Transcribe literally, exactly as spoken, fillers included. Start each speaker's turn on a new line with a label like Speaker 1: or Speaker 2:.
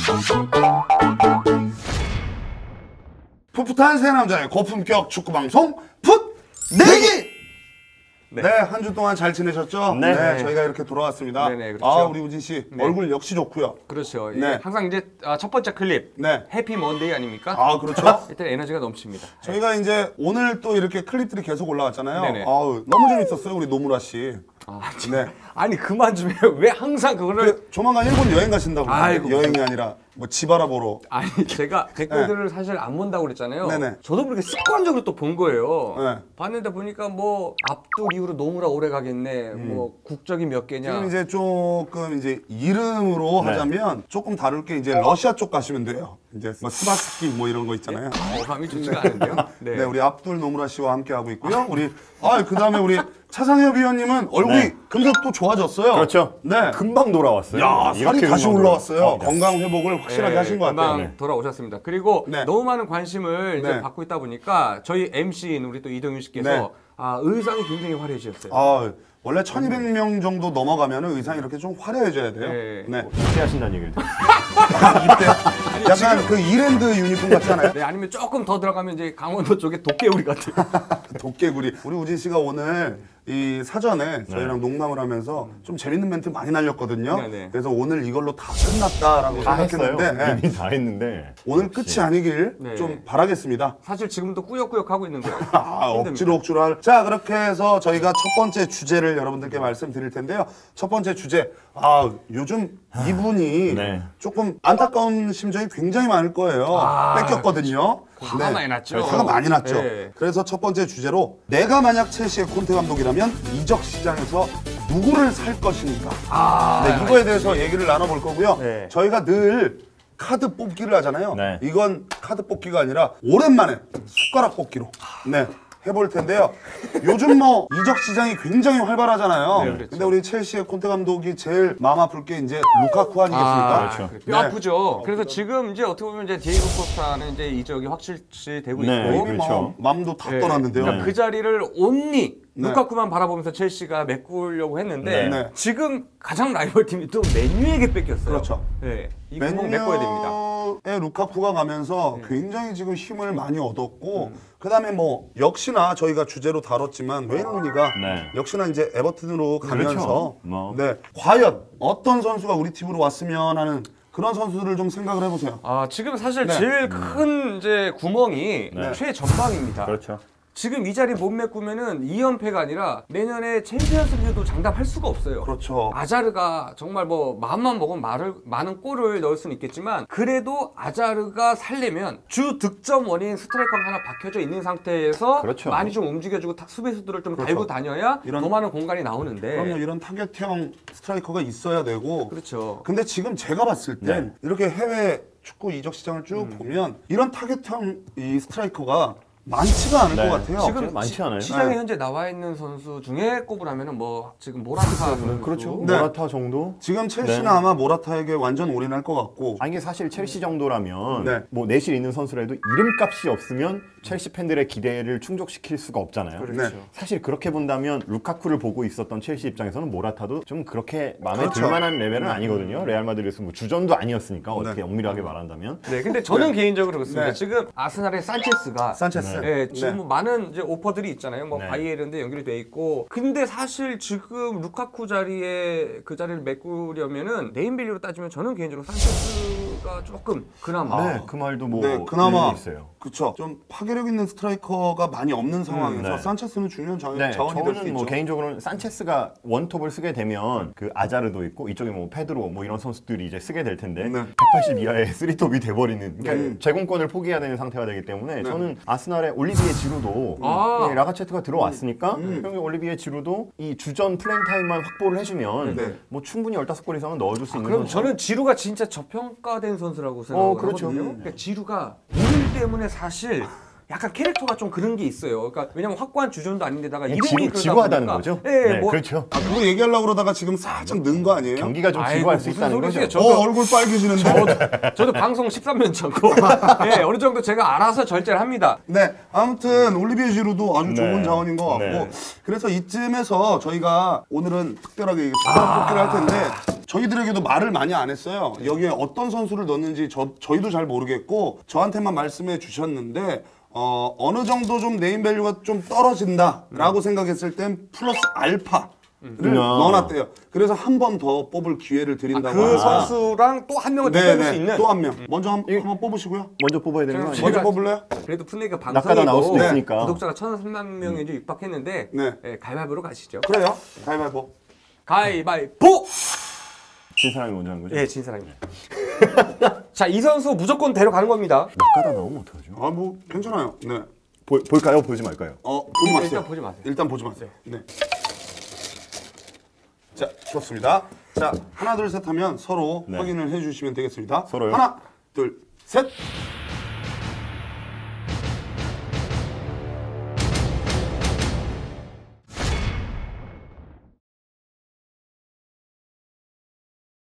Speaker 1: 풋풋한 세 남자의 고품격 축구 방송 풋 내기. 네, 네 한 주 동안 잘 지내셨죠?
Speaker 2: 네.
Speaker 1: 네, 저희가 이렇게 돌아왔습니다.
Speaker 2: 네네, 그렇죠.
Speaker 1: 아, 우리 우진 씨
Speaker 2: 네.
Speaker 1: 얼굴 역시 좋고요.
Speaker 2: 그렇죠.
Speaker 1: 네.
Speaker 2: 항상 이제 첫 번째 클립
Speaker 1: 네.
Speaker 2: 해피 먼데이 아닙니까?
Speaker 1: 아, 그렇죠.
Speaker 2: 일단 에너지가 넘칩니다.
Speaker 1: 저희가 이제 오늘 또 이렇게 클립들이 계속 올라왔잖아요.
Speaker 2: 네네.
Speaker 1: 아우, 너무 재밌었어요, 우리 노무라 씨.
Speaker 2: 아,
Speaker 1: 네.
Speaker 2: 아니 그만 좀 해요. 왜 항상 그거를
Speaker 1: 그, 조만간 일본 여행 가신다고.
Speaker 2: 아이고.
Speaker 1: 여행이 아니라 뭐 집 알아보러.
Speaker 2: 아니 제가 댓글들을 사실 안 본다고 그랬잖아요.
Speaker 1: 네네.
Speaker 2: 저도 그렇게 습관적으로 또 본 거예요.
Speaker 1: 네.
Speaker 2: 봤는데 보니까 뭐 압둘 이후로 노무라 오래 가겠네. 뭐 국적이 몇 개냐.
Speaker 1: 지금 이제 조금 이제 이름으로
Speaker 2: 네.
Speaker 1: 하자면 조금 다를 게 이제 러시아 쪽 가시면 돼요. 이제 뭐 스바스키 뭐 이런 거 있잖아요.
Speaker 2: 어감이 좋지가 않은데요.
Speaker 1: 네. 네, 우리 압둘 노무라 씨와 함께 하고 있고요. 우리 아, 그다음에 우리 차상엽 위원님은 얼굴이
Speaker 3: 네.
Speaker 1: 금세 또 좋아졌어요.
Speaker 3: 그렇죠.
Speaker 1: 네.
Speaker 3: 금방 돌아왔어요.
Speaker 1: 야, 살이 다시
Speaker 3: 금방
Speaker 1: 올라왔어요.
Speaker 3: 돌아왔어요. 네.
Speaker 1: 건강 회복을 확실하게
Speaker 2: 네,
Speaker 1: 하신 것 같아요.
Speaker 2: 금방
Speaker 1: 네.
Speaker 2: 돌아오셨습니다. 그리고
Speaker 1: 네.
Speaker 2: 너무 많은 관심을 이제
Speaker 1: 네.
Speaker 2: 받고 있다 보니까 저희 엠시인 우리 또 이동윤 씨께서
Speaker 1: 네.
Speaker 2: 아, 의상이 굉장히 화려해지셨어요.
Speaker 1: 아, 원래 천이백 명 정도 넘어가면 의상이 이렇게 좀 화려해져야 돼요.
Speaker 2: 네.
Speaker 1: 네.
Speaker 3: 입대하신다는 얘기를 들었어요.
Speaker 1: 이때 약간 그 이랜드 유니폼 같잖아요.
Speaker 2: 네, 아니면 조금 더 들어가면 이제 강원도 쪽에 도깨우리 같은.
Speaker 1: 도깨구리. 우리 우진 씨가 오늘 이 사전에 저희랑 농담을 하면서 좀 재밌는 멘트 많이 날렸거든요.
Speaker 2: 네, 네.
Speaker 1: 그래서 오늘 이걸로 다 끝났다라고
Speaker 3: 다 했어요.
Speaker 1: 생각했는데 네.
Speaker 3: 이미 다 했는데.
Speaker 1: 오늘 끝이 아니길
Speaker 2: 네.
Speaker 1: 좀 바라겠습니다.
Speaker 2: 사실 지금도 꾸역꾸역 하고 있는 거예요.
Speaker 1: 아, 억지로 억지로 할. 자, 그렇게 해서 저희가 첫 번째 주제를 여러분들께 말씀드릴 텐데요. 첫 번째 주제. 아, 요즘 이분이
Speaker 3: 네.
Speaker 1: 조금 안타까운 심정이 굉장히 많을 거예요.
Speaker 2: 아,
Speaker 1: 뺏겼거든요.
Speaker 2: 화가 많이 났죠.
Speaker 1: 화가 많이 났죠.
Speaker 2: 네.
Speaker 1: 그래서 첫 번째 주제로 내가 만약 첼시의 콘테 감독이라면 이적 시장에서 누구를 살 것인가.
Speaker 2: 아,
Speaker 1: 네, 이거에 대해서 얘기를 나눠볼 거고요.
Speaker 2: 네.
Speaker 1: 저희가 늘 카드 뽑기를 하잖아요.
Speaker 3: 네.
Speaker 1: 이건 카드 뽑기가 아니라 오랜만에 숟가락 뽑기로 네, 해볼 텐데요. 요즘 뭐 이적 시장이 굉장히 활발하잖아요.
Speaker 2: 네, 그렇죠.
Speaker 1: 근데 우리 첼시의 콘테 감독이 제일 마음 아플 게 이제 루카쿠 아니겠습니까?
Speaker 2: 아,
Speaker 3: 그렇죠.
Speaker 2: 뼈 아프죠. 그래서 지금 이제 어떻게 보면 이제 디에고 코스타는 이제 이적이 확실시되고
Speaker 3: 네,
Speaker 2: 있고,
Speaker 1: 이미
Speaker 3: 그렇죠.
Speaker 1: 뭐 마음도 다
Speaker 2: 네.
Speaker 1: 떠났는데요.
Speaker 2: 그러니까 그 자리를 온리
Speaker 1: 네.
Speaker 2: 루카쿠만 바라보면서 첼시가 메꾸려고 했는데
Speaker 1: 네.
Speaker 2: 지금 가장 라이벌 팀이 또 맨유에게 뺏겼어요.
Speaker 1: 그렇죠.
Speaker 2: 네, 이 구멍 메꿔야 됩니다.
Speaker 1: 맨유의 루카쿠가 가면서 굉장히 지금 힘을 많이 얻었고 그다음에 뭐 역시나 저희가 주제로 다뤘지만 웨인 루니가
Speaker 3: 네.
Speaker 1: 역시나 이제 에버튼으로 가면서
Speaker 3: 그렇죠. 뭐.
Speaker 1: 네, 과연 어떤 선수가 우리 팀으로 왔으면 하는 그런 선수들을 좀 생각을 해보세요.
Speaker 2: 아, 지금 사실
Speaker 1: 네.
Speaker 2: 제일 큰 이제 구멍이
Speaker 3: 네.
Speaker 2: 최전방입니다.
Speaker 3: 그렇죠.
Speaker 2: 지금 이 자리 못 메꾸면은 이 연패가 아니라 내년에 챔피언스리그도 장담할 수가 없어요.
Speaker 1: 그렇죠.
Speaker 2: 아자르가 정말 뭐 마음만 먹으면 말을, 많은 골을 넣을 수는 있겠지만 그래도 아자르가 살려면 주 득점 원인 스트라이커가 하나 박혀져 있는 상태에서
Speaker 3: 그렇죠.
Speaker 2: 많이 좀 움직여주고 타- 수비수들을 좀
Speaker 1: 그렇죠.
Speaker 2: 달고 다녀야
Speaker 1: 이런-
Speaker 2: 더 많은 공간이 나오는데.
Speaker 1: 그럼요, 이런 타겟형 스트라이커가 있어야 되고.
Speaker 2: 그렇죠.
Speaker 1: 근데 지금 제가 봤을 땐
Speaker 3: 네.
Speaker 1: 이렇게 해외 축구 이적 시장을 쭉
Speaker 2: 음.
Speaker 1: 보면 이런 타겟형 이 스트라이커가 많지가 않을
Speaker 3: 네.
Speaker 1: 것 같아요.
Speaker 2: 지금
Speaker 3: 많지
Speaker 2: 시-
Speaker 3: 않아요?
Speaker 2: 시장에
Speaker 1: 네.
Speaker 2: 현재 나와 있는 선수 중에 꼽으라면은 뭐 지금 모라타 선수.
Speaker 3: 그렇죠.
Speaker 1: 네.
Speaker 3: 모라타 정도?
Speaker 1: 지금 첼시는
Speaker 3: 네.
Speaker 1: 아마 모라타에게 완전 올인할 것 같고.
Speaker 3: 아, 이게 사실 첼시 정도라면
Speaker 1: 네.
Speaker 3: 뭐 내실 있는 선수라도 이름값이 없으면 첼시 팬들의 기대를 충족시킬 수가 없잖아요.
Speaker 2: 그렇죠.
Speaker 1: 네.
Speaker 3: 사실 그렇게 본다면 루카쿠를 보고 있었던 첼시 입장에서는 모라타도 좀 그렇게 마음에
Speaker 1: 그렇죠.
Speaker 3: 들 만한 레벨은 아니거든요. 레알 마드리드에서 뭐 주전도 아니었으니까 어떻게
Speaker 1: 네.
Speaker 3: 엄밀하게 말한다면.
Speaker 2: 네, 근데 저는 개인적으로 그렇습니다.
Speaker 1: 네.
Speaker 2: 지금 아스날의 산체스가
Speaker 1: 산체스.
Speaker 2: 네, 지금
Speaker 1: 네.
Speaker 2: 뭐 많은 이제 오퍼들이 있잖아요. 뭐
Speaker 3: 네.
Speaker 2: 바이에른도 연결이 돼 있고. 근데 사실 지금 루카쿠 자리에 그 자리를 메꾸려면은 네임밸류로 따지면 저는 개인적으로 산체스가 조금 그나마
Speaker 3: 네, 그 말도 뭐
Speaker 1: 네, 그나마
Speaker 3: 일리 있어요.
Speaker 1: 그쵸. 좀 파괴력 있는 스트라이커가 많이 없는 상황에서
Speaker 3: 네.
Speaker 1: 산체스는 중요한 자,
Speaker 3: 네,
Speaker 1: 자원이 될 수
Speaker 3: 저는 뭐
Speaker 1: 있죠.
Speaker 3: 개인적으로는 산체스가 원톱을 쓰게 되면 그 아자르도 있고 이쪽에 뭐 페드로 뭐 이런 선수들이 이제 쓰게 될 텐데
Speaker 1: 네.
Speaker 3: 백팔십 이하의 쓰리톱이 돼버리는 그러니까
Speaker 1: 네.
Speaker 3: 제공권을 포기해야 되는 상태가 되기 때문에 저는 아스날의 올리비에 지루도
Speaker 2: 아.
Speaker 3: 예, 라가체트가 들어왔으니까
Speaker 1: 음.
Speaker 3: 형이 올리비에 지루도 이 주전 플레잉 타임만 확보를 해주면
Speaker 1: 네.
Speaker 3: 뭐 충분히 열다섯 골 이상은 넣어줄 수 있는
Speaker 2: 그럼
Speaker 3: 선수.
Speaker 2: 저는 지루가 진짜 저평가된 선수라고 생각하거든요.
Speaker 3: 그렇죠.
Speaker 2: 그러니까 지루가 이름 때문에 사실 약간 캐릭터가 좀 그런 게 있어요. 그러니까 왜냐면 확고한 주전도 아닌데다가 이름이
Speaker 3: 지루,
Speaker 2: 그러다
Speaker 3: 지루하다는
Speaker 2: 보니까.
Speaker 3: 거죠?
Speaker 2: 네,
Speaker 3: 네,
Speaker 2: 뭐
Speaker 3: 그렇죠.
Speaker 1: 아, 그거 얘기하려고 그러다가 지금 살짝 는 거 아니에요?
Speaker 3: 경기가 좀
Speaker 2: 아이고,
Speaker 3: 지루할 수
Speaker 2: 무슨
Speaker 3: 있다는 거죠.
Speaker 2: 소리세요?
Speaker 1: 어,
Speaker 2: 저도-
Speaker 1: 얼굴 빨개지는데.
Speaker 2: 저도, 저도 방송 십삼 년 차고 네, 어느 정도 제가 알아서 절제를 합니다.
Speaker 1: 네, 아무튼 올리비에 지루도 아주 좋은
Speaker 3: 네.
Speaker 1: 자원인 것 같고
Speaker 3: 네.
Speaker 1: 그래서 이쯤에서 저희가 오늘은 특별하게 숟가락 뽑기를 할 텐데 저희들에게도 말을 많이 안 했어요. 여기에 어떤 선수를 넣는지 저, 저희도 잘 모르겠고 저한테만 말씀해 주셨는데 어, 어느 정도 좀 네임밸류가 좀 떨어진다라고 생각했을 땐 플러스 알파를
Speaker 3: 음.
Speaker 1: 넣어놨대요. 그래서 한 번 더 뽑을 기회를 드린다고.
Speaker 2: 그
Speaker 1: 합니다.
Speaker 2: 선수랑 또 한 명을 더 뽑을 수
Speaker 1: 네네.
Speaker 2: 있는.
Speaker 1: 또 한 명. 먼저 한, 한번 뽑으시고요.
Speaker 3: 먼저 뽑아야 되는 거
Speaker 2: 제가-
Speaker 3: 아니에요?
Speaker 1: 먼저
Speaker 2: 제가-
Speaker 1: 뽑을래요?
Speaker 2: 그래도 풋내가
Speaker 3: 낙하다 나올 수도
Speaker 2: 방송이고
Speaker 3: 있으니까.
Speaker 2: 구독자가 천삼백 명이 좀 입학했는데
Speaker 1: 네.
Speaker 2: 네, 가위바위보로 가시죠.
Speaker 1: 그래요. 가위바위보.
Speaker 2: 가위바위보!
Speaker 3: 진 사람이 먼저 하는 거죠?
Speaker 2: 예, 진 사람입니다. 자, 이 선수 무조건 데려가는 겁니다.
Speaker 3: 낙하다 나오면 어떡하죠?
Speaker 1: 아, 뭐 괜찮아요. 네.
Speaker 3: 보, 볼까요? 보지 말까요?
Speaker 1: 어, 보지 마세요.
Speaker 2: 일단 보지 마세요.
Speaker 1: 일단 보지 마세요. 네. 자, 좋습니다. 자, 하나, 둘, 셋 하면 서로
Speaker 3: 네.
Speaker 1: 확인을 해주시면 되겠습니다.
Speaker 3: 서로요?
Speaker 1: 하나, 둘, 셋.